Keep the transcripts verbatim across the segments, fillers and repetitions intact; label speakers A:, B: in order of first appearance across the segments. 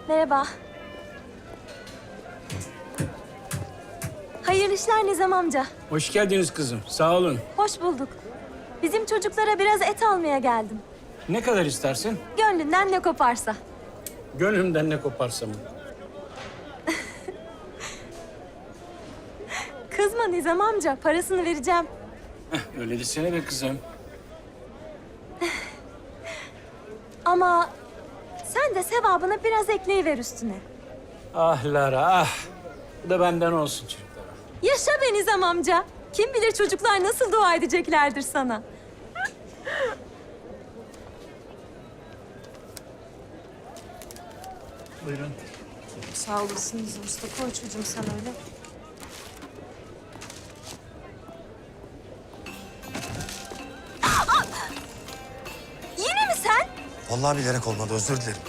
A: Merhaba. Hayırlı işler Nizam amca.
B: Hoş geldiniz kızım. Sağ olun.
A: Hoş bulduk. Bizim çocuklara biraz et almaya geldim.
B: Ne kadar istersin?
A: Gönlünden ne koparsa.
B: Gönlümden ne koparsam.
A: Kızma Nizam amca, parasını vereceğim.
B: Heh, öyle desene be kızım.
A: Ama sen de sevabını biraz ekleyiver üstüne.
B: Ah Lara ah. Bu da benden olsun çocuklara.
A: Yaşa be Nizam amca. Kim bilir çocuklar nasıl dua edeceklerdir sana.
B: Buyurun.
A: Sağ olasın Nizam usta. Koy çocuğum sen öyle. Aa! Yine mi sen?
C: Vallahi bilerek olmadı, özür dilerim.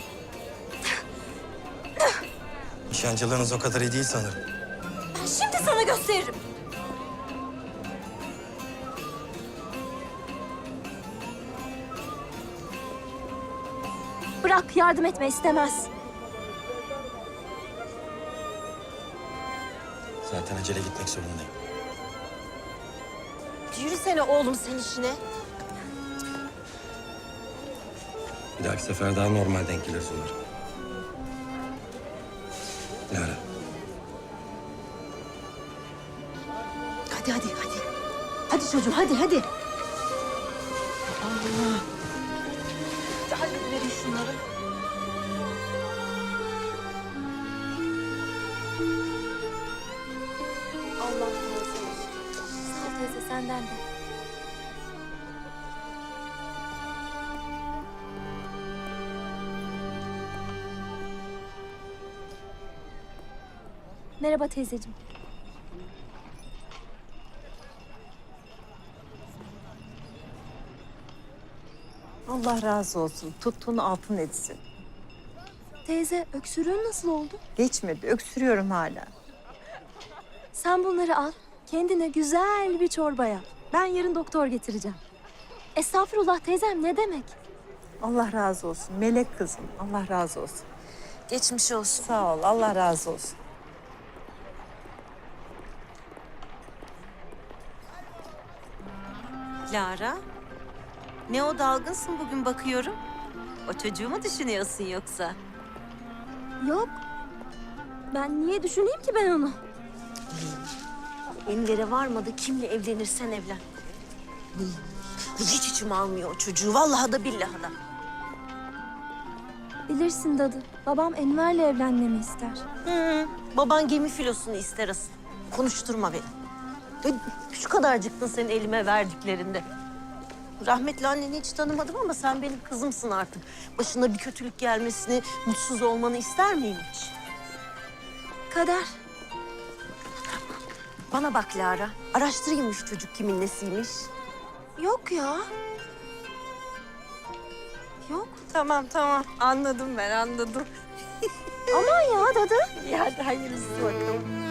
C: Nişancılığınız o kadar iyi değil sanırım.
A: Ben şimdi sana gösteririm. Bırak, yardım etme istemez.
C: Zaten acele gitmek zorundayım.
A: Yürüsene oğlum sen işine.
C: Bir dahaki sefer daha normal denk geliriz umarım. Lara.
D: Hadi hadi hadi. Hadi çocuğum hadi hadi. Allah. Hadi verin şunları.
A: Allah razı olsun. Sağ ol teyze, senden de. Merhaba teyzeciğim.
D: Allah razı olsun. Tuttuğun altın etsin.
A: Teyze, öksürüğün nasıl oldu?
D: Geçmedi. Öksürüyorum hala.
A: Sen bunları al, kendine güzel bir çorba yap. Ben yarın doktor getireceğim. Estağfurullah teyzem, ne demek?
D: Allah razı olsun. Melek kızım. Allah razı olsun.
A: Geçmiş olsun.
D: Sağ ol. Allah razı olsun.
E: Lara, ne o dalgınsın bugün bakıyorum. O çocuğu mu düşünüyorsun yoksa?
A: Yok. Ben niye düşüneyim ki ben onu?
E: Ellere varmadı, kimle evlenirsen evlen. Hiç içim almıyor o çocuğu, vallahi da billahi da.
A: Bilirsin dadı, babam Enver'le evlenmemi ister.
E: Hı, baban gemi filosunu ister asıl. Konuşturma beni. Ya, şu kadarcıktın senin elime verdiklerinde. Rahmetli anneni hiç tanımadım ama sen benim kızımsın artık. Başına bir kötülük gelmesini, mutsuz olmanı ister miyim hiç?
A: Kader.
E: Bana bak Lara, araştırayım şu çocuk kimin nesiymiş.
A: Yok ya. Yok.
E: Tamam tamam, anladım ben anladım.
A: Aman ya dadı.
E: İyi hadi hayırlısı bakalım.